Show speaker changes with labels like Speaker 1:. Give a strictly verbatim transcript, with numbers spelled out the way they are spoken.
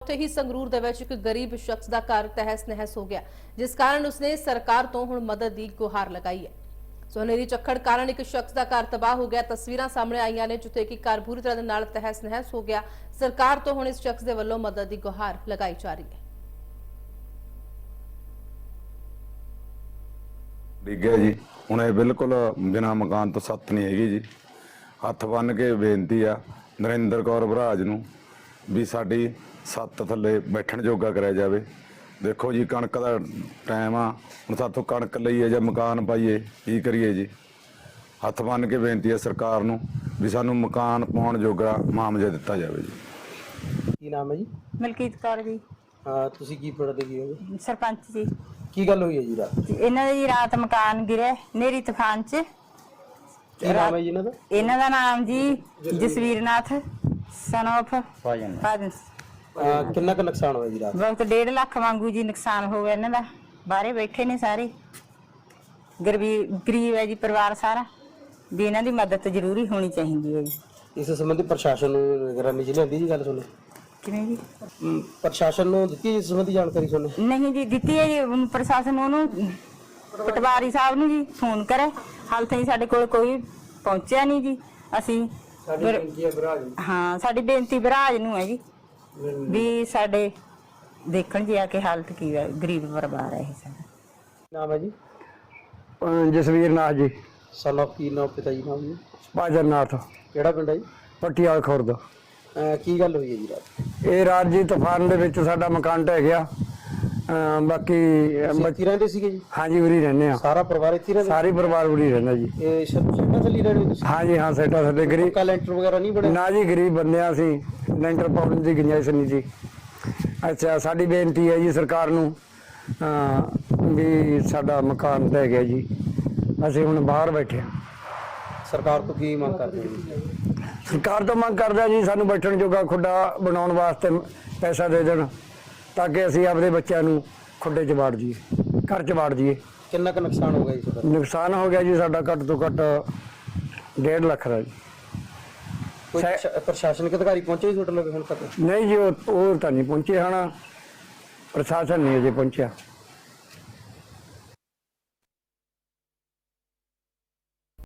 Speaker 1: ਉੱਥੇ ਹੀ ਸੰਗਰੂਰ ਦੇ ਵਿੱਚ ਇੱਕ ਗਰੀਬ ਸ਼ਖਸ ਦਾ ਘਰ ਤਹਿਸ ਨਹਿਸ ਹੋ ਗਿਆ, ਜਿਸ ਕਾਰਨ ਉਸਨੇ ਸਰਕਾਰ ਤੋਂ ਹੁਣ ਮਦਦ ਦੀ ਗੁਹਾਰ ਲਗਾਈ ਹੈ। ਸੋਨੇਰੀ ਝੱਖੜ ਕਾਰਨ ਇੱਕ ਸ਼ਖਸ ਦਾ ਘਰ ਤਬਾਹ ਹੋ ਗਿਆ। ਤਸਵੀਰਾਂ ਸਾਹਮਣੇ ਆਈਆਂ ਨੇ ਜਿੱਥੇ ਕਿ ਘਰ ਪੂਰੀ ਤਰ੍ਹਾਂ ਨਾਲ ਤਹਿਸ ਨਹਿਸ ਹੋ ਗਿਆ। ਸਰਕਾਰ ਤੋਂ ਹੁਣ ਇਸ ਸ਼ਖਸ ਦੇ ਵੱਲੋਂ ਮਦਦ ਦੀ ਗੁਹਾਰ ਲਗਾਈ ਜਾ ਰਹੀ ਹੈ।
Speaker 2: डिग्या जी हुण ये बिल्कुल बिना मकान तो सत्त नहीं हैगी जी। हथ बन के बेनती आ नरेंद्र कौर भराज नूं भी साडी सत्त थल्ले बैठण जोगा कराया जाए। देखो जी कणक का टाइम आ, हुण साथों कणक लईए जां मकान पाईए की करिए जी। हथ बन के बेनती है सरकार नूं भी सानूं मकान पाउण जोगा मुआवजा दिता जाए जी।
Speaker 3: की नाम है जी?
Speaker 4: ਮਲਕੀਤ ਕੌਰ ਜੀ।
Speaker 3: हाँ तुसी की पढ़ते की हो?
Speaker 4: ਸਰਪੰਚ ਜੀ।
Speaker 3: की गल हुई है जी रात?
Speaker 4: ਇਹਨਾਂ ਦੀ ਰਾਤ ਮਕਾਨ ਗਿਰਿਆ ਨੇਰੀ ਤੂਫਾਨ ਚ।
Speaker 3: की नाम है जी इन्हां दा?
Speaker 4: ਇਹਨਾਂ ਦਾ ਨਾਮ ਜੀ ਜਸਵੀਰ ਨਾਥ son of ਫਾਜਨ।
Speaker 3: आ, कितना का नुकसान होया जी रात?
Speaker 4: ਬਹੁਤ ਡੇਢ ਲੱਖ ਵਾਂਗੂ ਜੀ ਨੁਕਸਾਨ ਹੋ ਗਿਆ ਇਹਨਾਂ ਦਾ। ਬਾਹਰੇ ਬੈਠੇ ਨੇ ਸਾਰੇ, ਗਰੀਬ ਗਰੀਬ ਹੈ ਜੀ ਪਰਿਵਾਰ ਸਾਰਾ, ਵੀ ਇਹਨਾਂ ਦੀ ਮਦਦ ਜ਼ਰੂਰੀ ਹੋਣੀ ਚਾਹੀਦੀ ਹੈ ਜੀ।
Speaker 3: इस संबंधी प्रशासन नूं निगरानी च लिआंदी जी गल सुनो?
Speaker 4: ਕਿਵੇਂ ਜੀ?
Speaker 3: प्रशासन नूं दित्ती इस संबंधी जानकारी सुनो?
Speaker 4: ਨਹੀਂ ਜੀ ਦਿੱਤੀ ਹੈ ਜੀ। ਹੁਣ ਪ੍ਰਸ਼ਾਸਨ ਉਹਨੂੰ ਪਟਵਾਰੀ ਸਾਹਿਬ ਨੂੰ ਜੀ ਫੋਨ ਕਰੇ, ਹਾਲ ਤਾਈਂ ਸਾਡੇ ਕੋਲ ਕੋਈ ਪਹੁੰਚਿਆ ਨਹੀਂ ਜੀ। ਅਸੀਂ
Speaker 3: साडी बेनती है भराज नूं।
Speaker 4: ਹਾਂ ਸਾਡੀ ਬੇਨਤੀ ਵਿਰਾਜ ਨੂੰ ਹੈ ਜੀ ਵੀ ਸਾਡੇ ਦੇਖਣ ਜੀ ਆ ਕੇ ਹਾਲਤ ਕੀ ਹੈ, ਗਰੀਬ ਪਰਿਵਾਰ ਹੈ ਇਹ ਸਾਡਾ।
Speaker 3: नाम है जी?
Speaker 5: ਜਸਵੀਰ ਨਾਥ ਜੀ।
Speaker 3: सन ऑफ की नाम पिता जी नाम जी?
Speaker 5: ਭਾਜਨ ਨਾਥ
Speaker 3: केड़ा पिंड है जी?
Speaker 5: ਪਟਿਆਲ ਖੁਰਦ।
Speaker 3: आ, की गल हुई है जी रात?
Speaker 5: ਇਹ ਰਾਤ ਜੀ ਤੂਫਾਨ ਦੇ ਵਿੱਚ ਸਾਡਾ ਮਕਾਨ ਢਹਿ ਗਿਆ। ਅਮ ਬਾਕੀ ਅਮ
Speaker 3: इत्थे रहंदे सीगे जी?
Speaker 5: ਹਾਂਜੀ ਉਰੀ ਰਹਿੰਦੇ ਆ,
Speaker 3: सारा परिवार इत्थे रहंदा?
Speaker 5: ਸਾਰੀ ਪਰਿਵਾਰ ਉਰੀ ਰਹਿੰਦਾ ਜੀ।
Speaker 3: ये शर्मा थल्ली रहंदे तुसी?
Speaker 5: ਹਾਂਜੀ ਹਾਂ ਸਾਡਾ ਸਾਡੇ ਗਰੀਬ
Speaker 3: का लेंटर वगैरह नहीं बने?
Speaker 5: ਨਾ ਜੀ ਗਰੀਬ ਬੰਦੇ ਆ ਅਸੀਂ, ਲੈਂਟਰ ਪਾਉਣ ਦੀ ਗੁੰਜਾਇਸ਼ ਨਹੀਂ ਜੀ। ਅੱਛਾ ਸਾਡੀ ਬੇਨਤੀ ਹੈ ਜੀ ਸਰਕਾਰ ਨੂੰ ਅਮ ਵੀ ਸਾਡਾ ਮਕਾਨ ਢਹਿ ਗਿਆ ਜੀ, ਅਸੀਂ ਹੁਣ ਬਾਹਰ ਬੈਠੇ ਹਾਂ।
Speaker 3: सरकार तो की मांग करते हैं?
Speaker 5: ਸਰਕਾਰ ਤੋਂ ਮੰਗ ਕਰਦਾ ਜੀ ਸਾਨੂੰ ਬੈਠਣ ਜੋਗਾ ਖੁੱਡਾ ਬਣਾਉਣ ਵਾਸਤੇ ਪੈਸਾ ਦੇ ਦੇਣ ਤਾਂ ਕਿ ਅਸੀਂ ਆਪਣੇ ਬੱਚਿਆਂ ਨੂੰ ਖੁੱਡੇ 'ਚ ਵਾੜ ਜੀਏ, ਘਰ 'ਚ ਵਾੜ ਜੀਏ।
Speaker 3: कितना का नुकसान हो गया जी ਤੁਹਾਡਾ?
Speaker 5: ਨੁਕਸਾਨ ਹੋ ਗਿਆ ਜੀ ਸਾਡਾ ਘੱਟ ਤੋਂ ਘੱਟ ਡੇਢ ਲੱਖ ਦਾ ਜੀ।
Speaker 3: ਕੋਈ
Speaker 5: ਸੈ-
Speaker 3: ਪ੍ਰਸ਼ਾ- ਪ੍ਰਸ਼ਾਸਨਿਕ ਅਧਿਕਾਰੀ ਪਹੁੰਚੇ ਜੀ ਤੁਹਾਡੇ ਲਵੇ ਹੁਣ ਤੱਕ?
Speaker 5: ਨਹੀਂ ਜੀ ਉਹ ਉਹ ਤਾਂ ਨਹੀਂ ਪਹੁੰਚੇ, ਹਣਾ ਪ੍ਰਸ਼ਾਸਨ ਨਹੀਂ ਅਜੇ ਪਹੁੰਚਿਆ।